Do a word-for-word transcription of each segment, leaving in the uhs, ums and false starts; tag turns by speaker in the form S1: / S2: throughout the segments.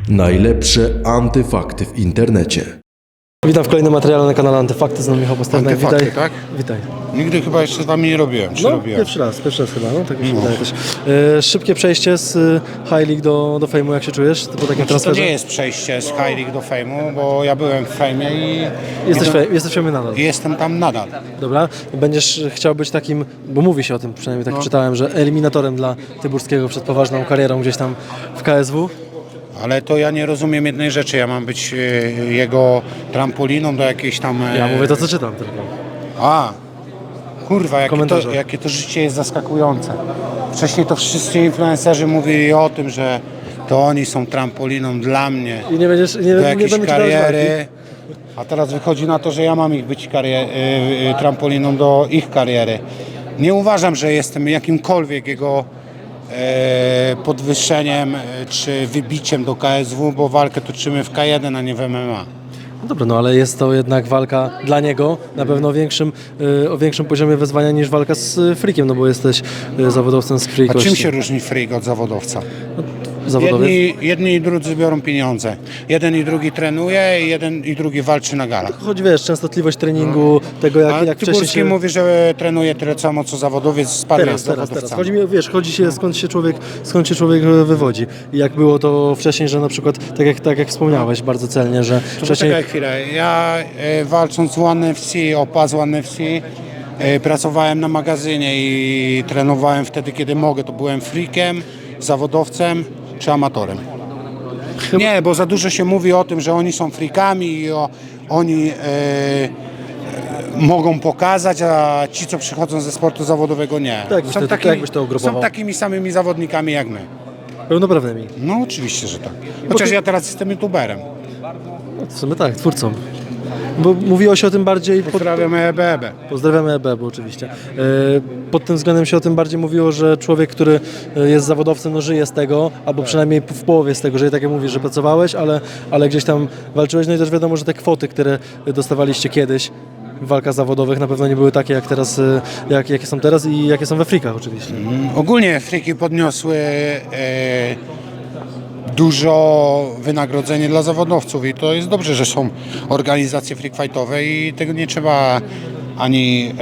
S1: Najlepsze antyfakty w internecie.
S2: Witam w kolejnym materiale na kanale Antyfakty, z nami Michał Pasternak.
S3: Antyfakty,
S2: Witaj.
S3: tak?
S2: Witaj.
S3: Nigdy chyba jeszcze z wami nie robiłem, czy
S2: No,
S3: robiłem?
S2: pierwszy raz, pierwszy raz chyba, no tak mi się
S3: No.
S2: wydaje też. E, szybkie przejście z y, High League do, do Fame'u, jak się czujesz po takim
S3: Znaczy, to
S2: transferze?
S3: nie jest przejście z High League do Fame'u, bo ja byłem w Fame'ie i,
S2: Jesteś,
S3: i,
S2: fe, jesteś Fame'ie nadal.
S3: i jestem tam nadal.
S2: Dobra, będziesz chciał być takim, bo mówi się o tym, przynajmniej tak
S3: No.
S2: czytałem, że eliminatorem dla Tyburskiego przed poważną karierą gdzieś tam w K S W.
S3: Ale to ja nie rozumiem jednej rzeczy, ja mam być e, jego trampoliną do jakiejś tam... e,
S2: Ja mówię to, co czytam tylko.
S3: A, kurwa, jakie to,
S2: Komentarze.
S3: jakie to życie jest zaskakujące. Wcześniej to wszyscy influencerzy mówili o tym, że to oni są trampoliną dla mnie,
S2: I nie będziesz, nie,
S3: do
S2: nie
S3: jakiejś
S2: będę ci dawać
S3: kariery. A teraz wychodzi na to, że ja mam ich być karier- y, y, trampoliną do ich kariery. Nie uważam, że jestem jakimkolwiek jego e, podwyższeniem e, czy wybiciem do K S W, bo walkę toczymy w K jeden, a nie w M M A.
S2: No dobra, no ale jest to jednak walka dla niego na pewno o większym, y, o większym poziomie wyzwania niż walka z y, Freakiem, no bo jesteś y, zawodowcem z Free
S3: A
S2: kości.
S3: czym się różni freak od zawodowca?
S2: Zawodowiec?
S3: Jedni, jedni i drudzy biorą pieniądze. Jeden i drugi trenuje, i jeden i drugi walczy na galach.
S2: Chodzi, wiesz, częstotliwość treningu, tego jak,
S3: A
S2: jak wcześniej
S3: Tyburski
S2: się...
S3: mówi, że trenuje tyle samo co zawodowiec, sparuje
S2: Teraz,
S3: z
S2: teraz, teraz.
S3: zawodowcami.
S2: Chodzi mi, o, wiesz, chodzi się skąd się człowiek, skąd się człowiek wywodzi. I jak było to wcześniej, że na przykład, tak jak, tak jak wspomniałeś bardzo celnie, że
S3: To
S2: wcześniej...
S3: Poczekaj chwilę. Ja e, walcząc z One F C, o pas One F C, e, pracowałem na magazynie i trenowałem wtedy, kiedy mogę. To byłem freakiem, zawodowcem czy amatorem. Nie, bo za dużo się mówi o tym, że oni są freakami i o, oni e, e, mogą pokazać, a ci, co przychodzą ze sportu zawodowego, nie.
S2: Tak, byś to- tak jakbyś to ugrupował?
S3: są takimi samymi zawodnikami jak my.
S2: Pełnoprawnymi.
S3: No oczywiście, że tak. Chociaż
S2: ty-
S3: ja teraz jestem youtuberem.
S2: No, w sumie tak, twórcą. Bo mówiło się o tym bardziej... Pod...
S3: Pozdrawiam E B E B.
S2: Pozdrawiamy E B, bo oczywiście. E, Pod tym względem się o tym bardziej mówiło, że człowiek, który e, jest zawodowcem, no żyje z tego, albo przynajmniej w połowie z tego, że tak jak mówisz, że pracowałeś, ale, ale gdzieś tam walczyłeś, no i też wiadomo, że te kwoty, które dostawaliście kiedyś w walkach zawodowych na pewno nie były takie jak teraz, e, jak, jakie są teraz i jakie są we frikach oczywiście.
S3: Ogólnie friki podniosły e, dużo wynagrodzenie dla zawodowców i to jest dobrze, że są organizacje freak fightowe i tego nie trzeba ani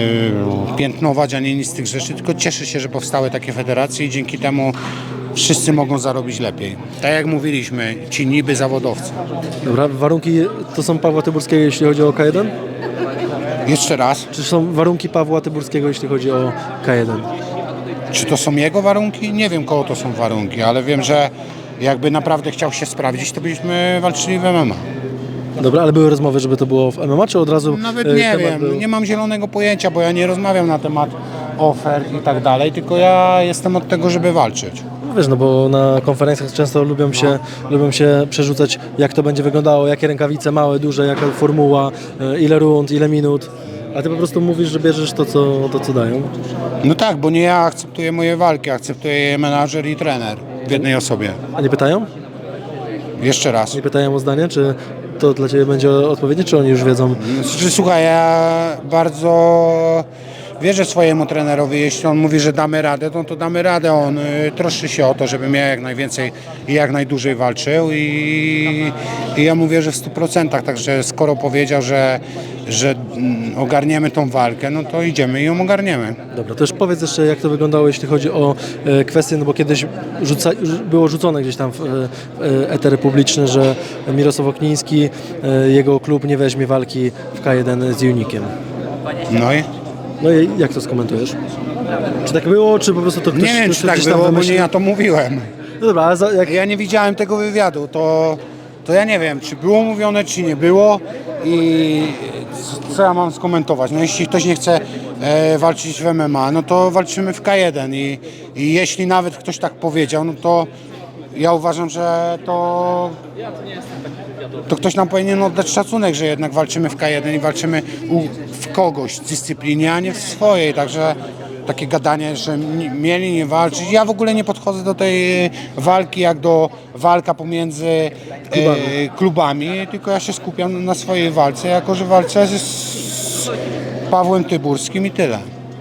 S3: e, piętnować, ani nic z tych rzeczy, tylko cieszę się, że powstały takie federacje i dzięki temu wszyscy mogą zarobić lepiej. Tak jak mówiliśmy, ci niby zawodowcy.
S2: Dobra, warunki to są Pawła Tyburskiego, jeśli chodzi o K jeden?
S3: Jeszcze raz,
S2: Czy są warunki Pawła Tyburskiego, jeśli chodzi o K jeden?
S3: czy to są jego warunki? Nie wiem, kogo to są warunki, ale wiem, że jakby naprawdę chciał się sprawdzić, to byśmy walczyli w M M A.
S2: Dobra, ale były rozmowy, żeby to było w M M A, czy od razu
S3: Nawet
S2: e,
S3: nie
S2: temat
S3: wiem,
S2: był...
S3: nie mam zielonego pojęcia, bo ja nie rozmawiam na temat ofert i tak dalej, tylko ja jestem od tego, żeby walczyć.
S2: No wiesz, no bo na konferencjach często lubią się, lubią się przerzucać, jak to będzie wyglądało, jakie rękawice małe, duże, jaka formuła, e, ile rund, ile minut. A ty po prostu mówisz, że bierzesz to, co, to, co dają.
S3: No tak, bo nie ja akceptuję moje walki, akceptuję je menadżer i trener w jednej osobie.
S2: A nie pytają?
S3: Jeszcze raz.
S2: Nie pytają o zdanie, czy to dla ciebie będzie odpowiednie, czy oni już wiedzą?
S3: Znaczy, słuchaj, ja bardzo wierzę swojemu trenerowi, jeśli on mówi, że damy radę, no to damy radę. On y, troszczy się o to, żebym ja jak najwięcej i jak najdłużej walczył i, i ja mówię, że w stu procentach, także skoro powiedział, że, że mm, ogarniemy tą walkę, no to idziemy i ją ogarniemy.
S2: Dobra, to już powiedz jeszcze, jak to wyglądało, jeśli chodzi o e, kwestie, no bo kiedyś rzuca, było rzucone gdzieś tam w, e, w eter publiczny, że Mirosław Okniński, e, jego klub nie weźmie walki w K jeden z Unikiem.
S3: No i
S2: No i jak to skomentujesz? Czy tak było, czy po prostu to ktoś,
S3: nie wiem,
S2: ktoś
S3: czy tak
S2: gdzieś tam
S3: było, bo
S2: wymyślił?
S3: nie ja to mówiłem.
S2: No dobra, ale za, jak...
S3: Ja nie widziałem tego wywiadu, to, to ja nie wiem, czy było mówione, czy nie było i co ja mam skomentować. No jeśli ktoś nie chce e, walczyć w M M A, no to walczymy w K jeden i, i jeśli nawet ktoś tak powiedział, no to ja uważam, że to, to ktoś nam powinien oddać szacunek, że jednak walczymy w K jeden i walczymy u, w kogoś w dyscyplinie, a nie w swojej, także takie gadanie, że ni- mieli nie walczyć. Ja w ogóle nie podchodzę do tej walki jak do walka pomiędzy
S2: Klubami.
S3: e, klubami, tylko ja się skupiam na swojej walce, jako że walczę z, z Pawłem Tyburskim i tyle.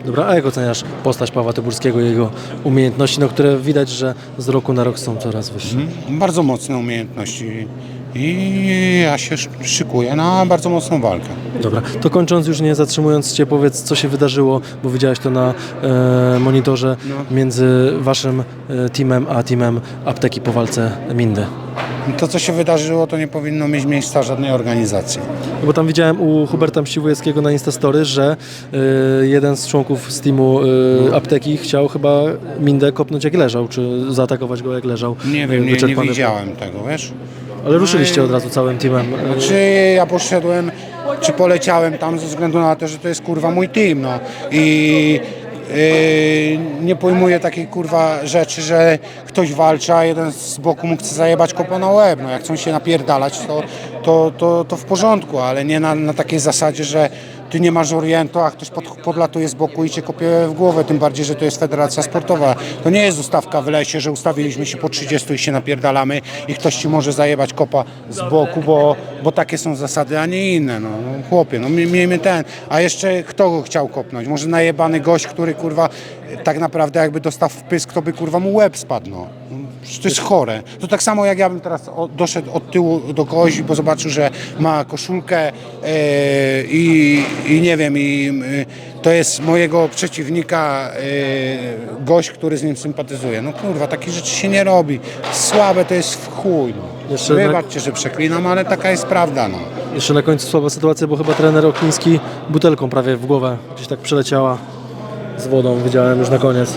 S2: Dobra, a jak oceniasz postać Pawła Tyburskiego i jego umiejętności, no, które widać, że z roku na rok są coraz wyższe?
S3: Bardzo mocne umiejętności i ja się sz- szykuję na bardzo mocną walkę.
S2: Dobra, to kończąc już nie zatrzymując Cię, powiedz, co się wydarzyło, bo widziałeś to na e, monitorze między Waszym e, teamem a teamem Apteki po walce Mindy.
S3: To, co się wydarzyło, to nie powinno mieć miejsca żadnej organizacji.
S2: No bo tam widziałem u Huberta Mściwujewskiego na Instastory, że y, jeden z członków z teamu y, apteki chciał chyba Mindę kopnąć jak leżał, czy zaatakować go jak leżał.
S3: Nie
S2: y,
S3: wiem, nie, nie
S2: wyczerpany.
S3: widziałem tego, wiesz?
S2: Ale ruszyliście od razu całym teamem. y,
S3: Czy ja poszedłem, czy poleciałem tam ze względu na to, że to jest kurwa mój team, no. I yy, nie pojmuję takiej kurwa rzeczy, że ktoś walczy, a jeden z boku mu chce zajebać kopa na łeb. No, jak chcą się napierdalać, to, to, to, to w porządku, ale nie na, na takiej zasadzie, że ty nie masz orientu, a ktoś pod, podlatuje z boku i cię kopie w głowę, tym bardziej, że to jest federacja sportowa. To nie jest ustawka w lesie, że ustawiliśmy się po trzydziestu i się napierdalamy i ktoś ci może zajebać kopa z boku, bo, bo takie są zasady, a nie inne. No, no chłopie, no mi- miejmy ten. A jeszcze kto go chciał kopnąć? Może najebany gość, który kurwa tak naprawdę jakby dostał w pysk, to by kurwa mu łeb spadł. No. Przecież to jest chore. To tak samo jak ja bym teraz o, doszedł od tyłu do kogoś, bo zobaczył, że ma koszulkę e, i, i nie wiem, i e, to jest mojego przeciwnika e, gość, który z nim sympatyzuje. No kurwa, takich rzeczy się nie robi. Słabe to jest w chuj. No.
S2: Jeszcze na-
S3: Wybaczcie, że przeklinam, ale taka jest prawda. No.
S2: Jeszcze na końcu słaba sytuacja, bo chyba trener Okliński butelką prawie w głowę gdzieś tak przeleciała z wodą, widziałem już na koniec.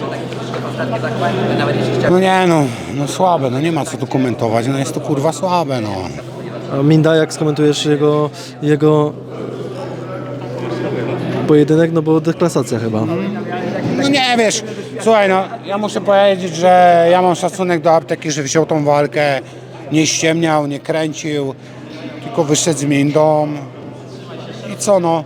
S3: no nie no, no słabe, no nie ma co tu komentować, no jest to kurwa słabe. No.
S2: A Minda, jak skomentujesz jego, jego pojedynek, no bo deklasacja chyba.
S3: No nie wiesz, słuchaj, no ja muszę powiedzieć, że ja mam szacunek do apteki, że wziął tą walkę, nie ściemniał, nie kręcił, tylko wyszedł z Mindą i co no.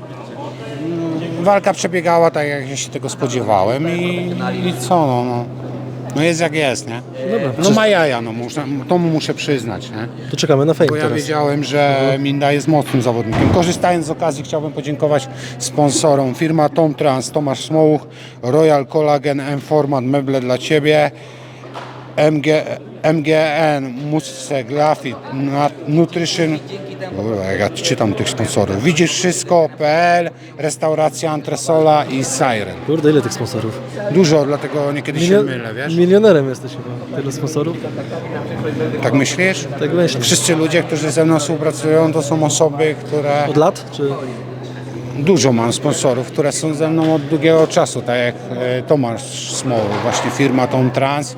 S3: Mm, Walka przebiegała tak, jak ja się tego spodziewałem i, i co no, no. No jest jak jest, nie?
S2: Dobra,
S3: No ma jaja, no muszę, to mu muszę przyznać, nie?
S2: to czekamy na fame
S3: Bo ja
S2: teraz.
S3: wiedziałem, że Minda jest mocnym zawodnikiem. Korzystając z okazji chciałbym podziękować sponsorom. Firma Tom Trans, Tomasz Smołuch, Royal Collagen, M-Format, meble dla Ciebie, M G, M G N, Musce Grafit, Nutrition. Kurwa, jak ja czytam tych sponsorów. Widzisz wszystko kropka p l, restauracja Antresola i Siren.
S2: Kurde, ile tych sponsorów?
S3: Dużo, dlatego niekiedy się
S2: Milio-
S3: mylę, wiesz?
S2: Milionerem jesteś chyba, tyle sponsorów.
S3: Tak myślisz?
S2: Tak myślę.
S3: Wszyscy ludzie, którzy ze mną współpracują, to są osoby, które...
S2: Od lat? Czy...
S3: Dużo mam sponsorów, które są ze mną od długiego czasu, tak jak e, Tomasz Smołuch, właśnie firma Tom Trans.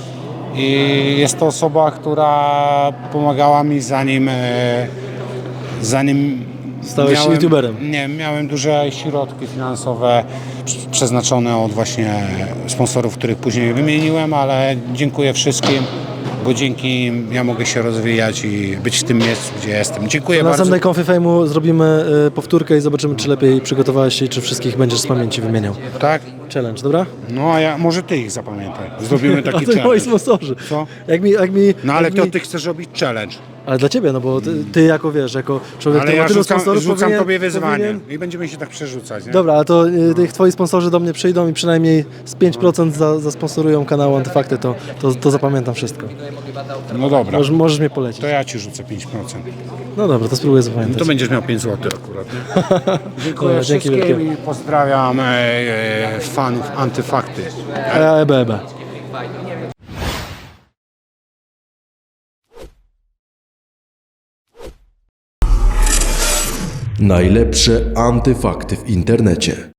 S3: I jest to osoba, która pomagała mi zanim, e, zanim
S2: Stałeś się youtuberem.
S3: Nie, miałem duże środki finansowe prz- przeznaczone od właśnie sponsorów, których później wymieniłem, ale dziękuję wszystkim, bo dzięki im ja mogę się rozwijać i być w tym miejscu, gdzie jestem. Dziękuję
S2: Na
S3: bardzo.
S2: następnej konfy fejmu zrobimy y, powtórkę i zobaczymy, czy lepiej przygotowałeś się i czy wszystkich będziesz z pamięci wymieniał.
S3: Tak?
S2: Challenge, dobra?
S3: No a ja, może ty ich zapamiętaj. Zrobimy
S2: A
S3: taki
S2: to moi
S3: challenge.
S2: sponsorzy.
S3: Co?
S2: Jak mi, jak mi,
S3: No ale
S2: jak
S3: to
S2: mi...
S3: ty chcesz robić challenge.
S2: Ale dla ciebie, no bo ty, ty jako wiesz, jako człowiek,
S3: Ale
S2: który ma
S3: ja
S2: tylu
S3: rzucam,
S2: sponsorów,
S3: rzucam
S2: powinien,
S3: tobie wyzwanie
S2: powinien...
S3: i będziemy się tak przerzucać, nie?
S2: Dobra, ale to y, tych twoi sponsorzy do mnie przyjdą i przynajmniej z pięć procent za, zasponsorują kanał Antyfakty, to, to, to zapamiętam wszystko.
S3: No dobra,
S2: Możesz, możesz mnie polecić.
S3: to ja ci rzucę pięć procent.
S2: No dobra, to spróbuję
S3: No
S2: zapamiętać.
S3: to będziesz miał pięć złotych akurat, nie? Dziękuję
S2: Dobra, dzięki
S3: wszystkim
S2: wielkie.
S3: i pozdrawiam e, e, fanów Antyfakty.
S2: E, Ebe, ebe.
S1: Najlepsze antyfakty w internecie.